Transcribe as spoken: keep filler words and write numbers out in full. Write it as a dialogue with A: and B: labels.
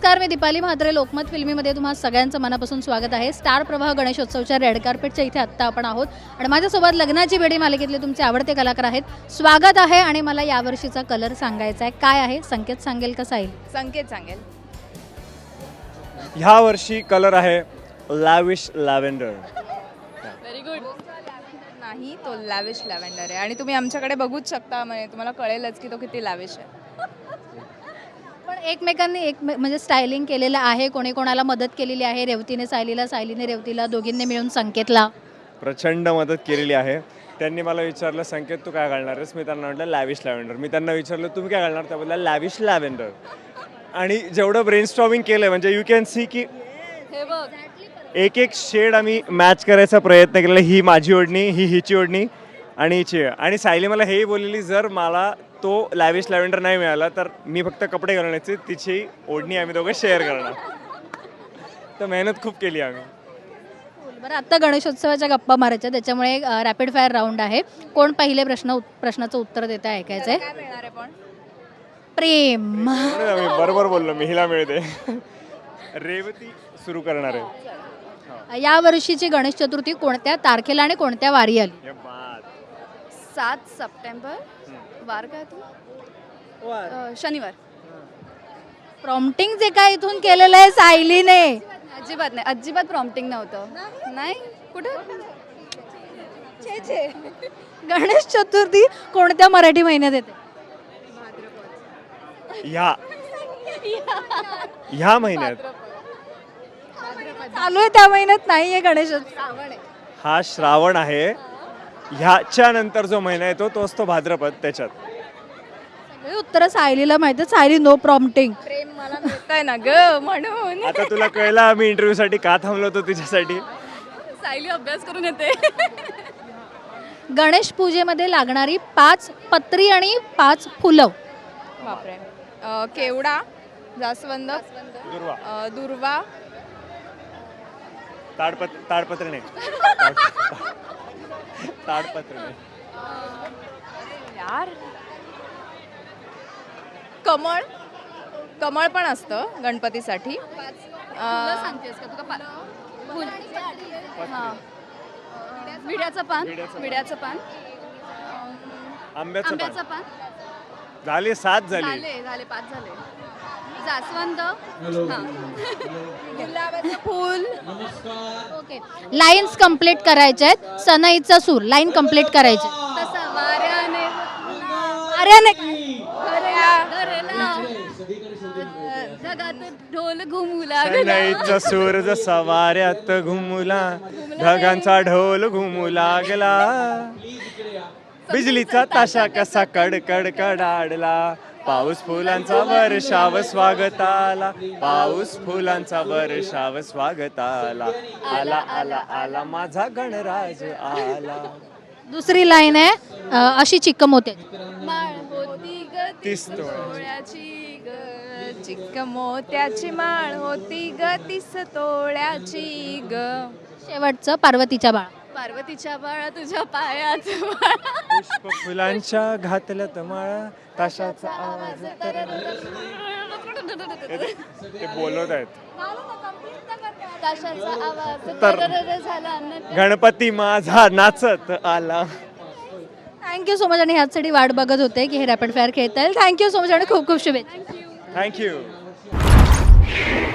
A: नमस्कार, मी दीपाली म्हात्रे. लोकमत फिल्मीमध्ये तुम्हा सगळ्यांचं मनापासून स्वागत आहे. स्टार प्रवाह गणेशोत्सवच्या रेड कार्पेटच्या इथे आत्ता आपण आहोत आणि माझ्यासोबत लग्नाची बेडी मालिकेतले तुमचे आवडते कलाकार आहेत. स्वागत आहे आणि मला यावर्षीचा कलर सांगायचा आहे. काय आहे? संकेत सांगेल का साहिल?
B: संकेत सांगेल.
C: ह्या वर्षी कलर आहे लॅविश लॅव्हेंडर.
B: Very good. नाही, तो लॅविश लॅव्हेंडर आहे आणि तुम्ही आमच्याकडे बघूच शकता, म्हणजे तुम्हाला कळेलच की तो किती लॅविश आहे.
A: पण एकमेकांनी एक म्हणजे स्टायलिंग केलेलं आहे. कोणी कोणाला मदत केलेली आहे. रेवतीने सायलीला, सायलीने रेवतीला, दोघींनी मिळून संकेतला
C: प्रचंड मदत केलेली आहे. त्यांनी मला विचारलं, संकेत तू काय घालणार आहेस? मी त्यांना म्हटलं लॅविश लॅव्हेंडर. मी त्यांना विचारलं तुम्ही काय घालणार? त्या बोलला लॅविश लॅव्हेंडर. आणि जेवढं ब्रेनस्टॉर्मिंग केलं म्हणजे यू कॅन सी की
B: हे बघ,
C: एक एक शेड आम्ही मॅच करायचा प्रयत्न केलेला. ही माझी ओढणी, ही हिची ओढणी आणि हिची. आणि सायली मला हेही बोललेली, जर मला तो लॅविश लॅव्हेंडर नाही मिळाला तर मी फक्त कपडे घालण्याचे, तिची ओढणी आम्ही दोघं शेअर करणार. तर मेहनत खूप केली आम्ही.
A: बरं, आत्ता गणेशोत्सवाच्या गप्पा मारायच्या, त्याच्यामुळे रॅपिड फायर राऊंड आहे. कोण पहिले प्रश्न प्रश्नाचं उत्तर देतं ऐकायचं आहे.
B: काय मिळणार आहे पण?
A: प्रेम.
C: म्हणून आम्ही बरोबर बोललो, मी हिला मिळते. रेवती सुरू करणार आहे.
A: या वर्षीची गणेश चतुर्थी कोणत्या तारखेला आणि कोणत्या वारी आली?
C: ये बात.
B: सात सप्टेंबर. वार काय तू? अ, शनिवार.
A: प्रॉम्प्टिंग जे काय इथून केलेलं आहे सायलीने.
B: अजिबात नाही, अजिबात प्रॉम्प्टिंग नव्हतं. नाही कुठं. छे छे.
A: गणेश चतुर्थी कोणत्या मराठी महिन्यात येते?
C: ह्या ह्या महिन्यात.
A: चालू आहे त्या महिन्यात नाहीये गणेश.
C: हा श्रावण आहे. ह्याच्या नंतर जो महिना येतो तो असतो भाद्रपद. त्याच्यात
A: सगळी उत्तरं सायलीला माहिती आहे. Sayali no prompting.
B: प्रेम मला मिळतंय ना ग, म्हणून.
C: आता तुला कळलं आम्ही इंटरव्ह्यू साठी का थांबलो होतो तुझ्यासाठी.
B: सायली अभ्यास करून येते.
A: गणेश पूजेमध्ये लागणारी पाच पत्री आणि पाच फुलं.
B: बापरे. अ, केवडा, जास्वंद,
C: दुर्वा.
B: अ, दुर्वा,
C: ताडपत्र ताडपत्र नाही. ताडपत्र नाही.
B: यार, कमळ. कमळ पण असतं गणपतीसाठी. विड्याचं पान. विड्याचं पान.
C: आंब्याचं
B: आंब्याचं
C: पान.
B: पान.
C: झाले सात झाले.
B: झाले झाले पाच झाले. जास्वंद. गुलाबाचं फूल.
A: ओके, लाईन्स कंप्लीट करायच्या आहेत. सनईचा सूर लाईन कंप्लीट करायची.
B: तसं वाऱ्याने
A: अरे
B: घरला ढगात ढोल घुमू लागला.
C: सनईचा सूर जसा वाऱ्यात घुमला, ढगांचा ढोल घुमू लागला, बिजलीचा ताशा कसा कडकड कडाडला, पाऊस फुलांचा वर्षाव स्वागताला, पाऊस फुलांचा वर्षाव स्वागताला, आला आला आला माझा गणराज आला.
A: दुसरी लाईन आहे अ, अशी चिक्कम होते.
B: माळ होती ग
C: तीस
B: तोळ्याची ग, चिक्क मोत्याची माळ होती ग तीस तोळ्याची ग.
A: शेवटचं पार्वतीच्या बाळा.
B: पार्वतीच्या बाळा तुझ्या पायात बाळा.
C: पुष्प फुलांच्या घातल्यात माळा, ताशाचा आवाज तर ते बोलत आहेत.
B: ताशाचा आवाज
C: तर-
B: तररर झाला न.
C: गणपती माझा नाचत आला.
A: Thank you so much. आणि ह्याचसाठी वाट बघत होते की हे रॅपिड फायर खेळता येईल. थँक्यू सो मच आणि खूप खूप शुभेच्छा.
C: थँक्यू.